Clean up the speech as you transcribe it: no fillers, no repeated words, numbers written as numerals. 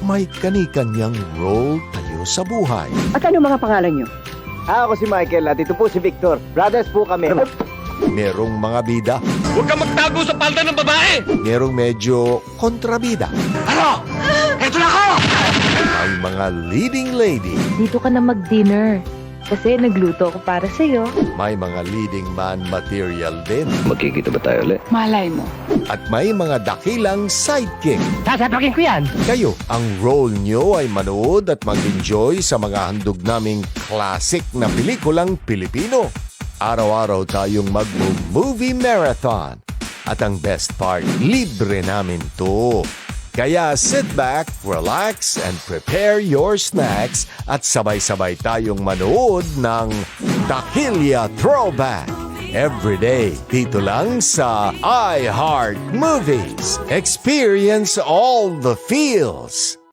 may kani-kanyang role kayo sa buhay. At ano mga pangalan nyo? Ako si Michael at ito po si Victor. Brothers po kami. Merong mga bida, Huwag kang magtago sa palda ng babae! merong medyo kontrabida. Ano? Ito na ako! May mga leading lady, Dito ka na mag-dinner. Kasi nagluto ako para sa'yo. may mga leading man material din, Magkikita ba tayo ulit? Malay mo. at may mga dakilang sidekick. Sasapakin ko yan. Kayo, ang role nyo ay manood at mag-enjoy sa mga handog naming classic na pelikulang Pilipino. Araw-araw tayong mag-movie marathon. At ang best part, libre namin to. Kaya sit back, relax, and prepare your snacks at sabay-sabay tayong manood ng Dakilya Throwback. Every day, dito lang sa iHeart Movies. Experience all the feels.